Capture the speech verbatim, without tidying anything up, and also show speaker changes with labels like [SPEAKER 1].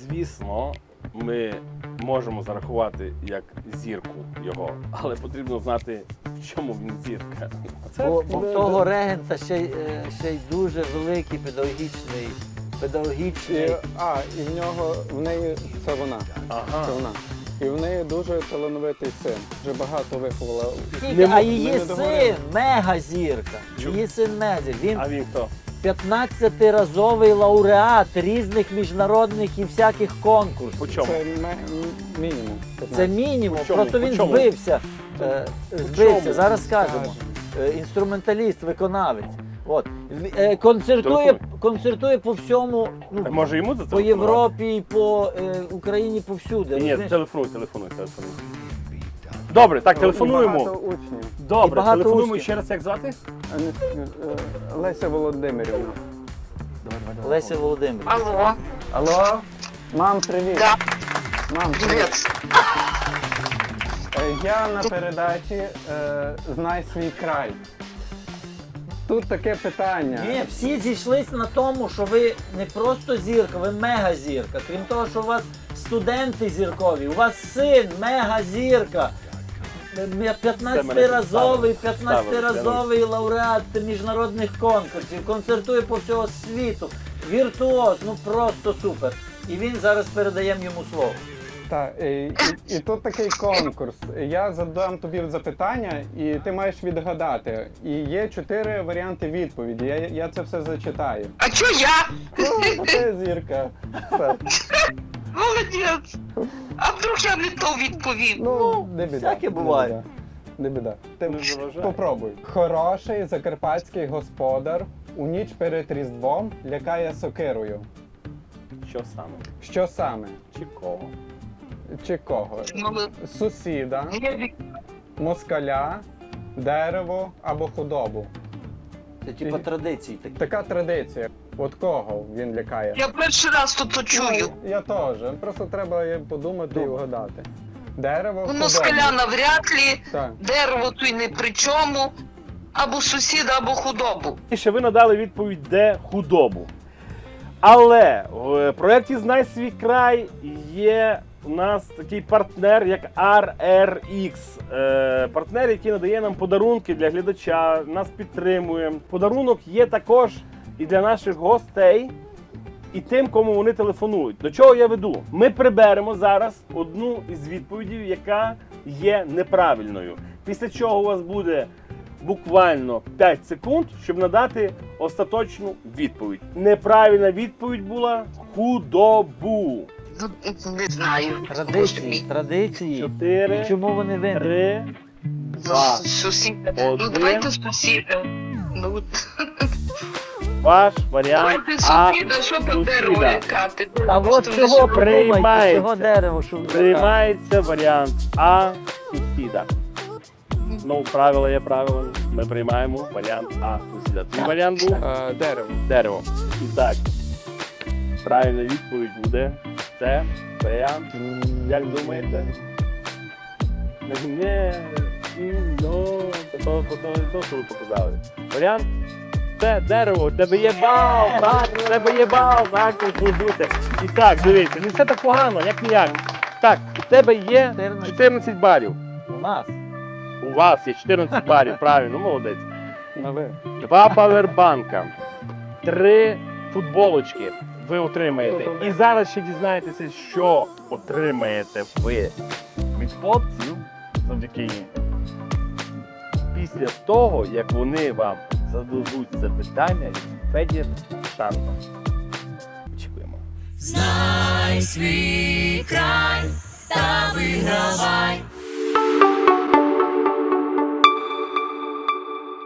[SPEAKER 1] звісно, ми можемо зарахувати як зірку його, але потрібно знати, в чому він зірка.
[SPEAKER 2] Бо, бо в того регента ще, й, е, ще й дуже великий педагогічний, педагогічний.
[SPEAKER 3] І, а, і в нього, в неї, це вона,
[SPEAKER 1] Ага.
[SPEAKER 3] це вона. І в неї дуже талановитий син, вже багато виховала.
[SPEAKER 2] Тільки,
[SPEAKER 1] Не
[SPEAKER 2] а
[SPEAKER 1] мо-
[SPEAKER 2] її
[SPEAKER 3] ми не
[SPEAKER 2] син
[SPEAKER 3] договорили.
[SPEAKER 2] мегазірка.
[SPEAKER 1] Чу-
[SPEAKER 2] Її син мегазірка. Він
[SPEAKER 1] А він хто?
[SPEAKER 2] п'ятнадцятиразовий лауреат різних міжнародних і всяких конкурсів.
[SPEAKER 1] По чому?
[SPEAKER 3] Це ме- м- мінімум.
[SPEAKER 2] Це
[SPEAKER 3] п'ятнадцять.
[SPEAKER 2] мінімум,
[SPEAKER 1] По чому?
[SPEAKER 2] просто
[SPEAKER 1] По
[SPEAKER 2] він
[SPEAKER 1] чому?
[SPEAKER 2] збився. Е, збився,
[SPEAKER 1] чому?
[SPEAKER 2] зараз скажемо. Е, Інструменталіст, виконавець. От. В- е, Концертує,
[SPEAKER 1] Телефонуй.
[SPEAKER 2] концертує по всьому, ну,
[SPEAKER 1] Так може йому за це?
[SPEAKER 2] по Європі, і по е, Україні, повсюди.
[SPEAKER 1] Ні,
[SPEAKER 2] розумієш?
[SPEAKER 1] телефонуй, телефонуй, телефонуй. Добре, так,
[SPEAKER 3] І
[SPEAKER 1] телефонуємо.
[SPEAKER 3] багато учнів.
[SPEAKER 1] Добре,
[SPEAKER 2] І багато
[SPEAKER 1] телефонуємо
[SPEAKER 2] учнів.
[SPEAKER 1] ще раз, як звати?
[SPEAKER 3] А не- е, Леся Володимирівна.
[SPEAKER 2] Леся Володимирівна.
[SPEAKER 4] Алло,
[SPEAKER 3] Алло? Мам, привіт.
[SPEAKER 4] да,
[SPEAKER 3] Мам, привіт.
[SPEAKER 4] привет.
[SPEAKER 3] Е, Я на передачі е, «Знай свій край». Тут таке питання.
[SPEAKER 2] Ні, всі зійшлися на тому, що ви не просто зірка, ви мегазірка. Крім того, що у вас студенти зіркові, у вас син мегазірка. п'ятнадцятиразовий, п'ятнадцятиразовий лауреат міжнародних конкурсів, концертує по всього світу. Віртуоз, ну просто супер. І він зараз передаємо йому слово.
[SPEAKER 3] Так, і, і, і тут такий конкурс. Я задам тобі запитання, і ти маєш відгадати. І є чотири варіанти відповіді. Я, я це все зачитаю.
[SPEAKER 4] А чё я?
[SPEAKER 3] Ну, ти зірка. Все.
[SPEAKER 4] Молодец. А вдруг я не то відповім?
[SPEAKER 3] Ну, не біда.
[SPEAKER 2] всяке
[SPEAKER 3] не
[SPEAKER 2] буває.
[SPEAKER 3] біда. Не біда. Ти
[SPEAKER 1] Не заважай.
[SPEAKER 3] попробуй. Хороший закарпатський господар у ніч перед Різдвом лякає сокирою.
[SPEAKER 1] Що саме?
[SPEAKER 3] Що саме?
[SPEAKER 1] Чи кого?
[SPEAKER 3] Чи кого?
[SPEAKER 4] Ну,
[SPEAKER 3] Сусіда,
[SPEAKER 4] я-
[SPEAKER 3] москаля, дерево або худобу.
[SPEAKER 2] Це типу традиції такі.
[SPEAKER 3] Така традиція. От кого він лякає?
[SPEAKER 4] Я перший раз тут то чую.
[SPEAKER 3] Ну, я теж. Просто треба подумати і
[SPEAKER 2] Думай.
[SPEAKER 3] вгадати. Дерево,
[SPEAKER 4] Ну,
[SPEAKER 3] худобу.
[SPEAKER 4] москаля навряд ли,
[SPEAKER 3] Так.
[SPEAKER 4] дерево то й не при чому. Або сусіда, або худобу.
[SPEAKER 1] І ще ви надали відповідь, де худобу. Але в проєкті «Знай свій край» є у нас такий партнер, як ар ер ікс. Е, партнер, який надає нам подарунки для глядача, нас підтримує. Подарунок є також і для наших гостей, і тим, кому вони телефонують. До чого я веду? Ми приберемо зараз одну із відповідей, яка є неправильною. Після чого у вас буде буквально п'ять секунд, щоб надати остаточну відповідь. Неправильна відповідь була худобу.
[SPEAKER 4] Ну, не знаю.
[SPEAKER 2] Традиції, традиції.
[SPEAKER 1] Чотири,
[SPEAKER 2] І чому вони винні?
[SPEAKER 1] три,
[SPEAKER 4] Ну,
[SPEAKER 1] два.
[SPEAKER 4] сусіда.
[SPEAKER 1] Один.
[SPEAKER 4] Ну, давайте сусіда. Ну,
[SPEAKER 1] Ваш варіант
[SPEAKER 4] давайте
[SPEAKER 1] А.
[SPEAKER 4] сусіда, що по дереву
[SPEAKER 1] Сусіда.
[SPEAKER 4] лякати?
[SPEAKER 2] А от
[SPEAKER 4] Просто
[SPEAKER 2] чого
[SPEAKER 4] не
[SPEAKER 2] подумайте,
[SPEAKER 1] Приймається.
[SPEAKER 2] чого дерево, що
[SPEAKER 1] Приймається варіант А сусіда. Ну, правило є правило. Ми приймаємо варіант А сусіда. Твій варіант був
[SPEAKER 3] Е, дерево.
[SPEAKER 1] дерево. І так, правильна відповідь буде це варіант. Як думаєте? Не, ну, то, то, то, то, що ви показали. Варіант це дерево, у тебе є бал, так, у тебе є бал, так, тут бути. І так, дивіться, не все так погано, як ніяк. Так, у тебе є чотирнадцять балів.
[SPEAKER 2] У нас.
[SPEAKER 1] У вас є чотирнадцять балів, правильно, молодець.
[SPEAKER 3] Але.
[SPEAKER 1] Два павербанка, три футболочки ви отримаєте. І зараз ще дізнаєтеся, що отримаєте ви від хлопців завдяки їм. Після того, як вони вам зададуть це питання, Федір Шарма. Очікуємо.
[SPEAKER 5] Знай свій край та вигравай.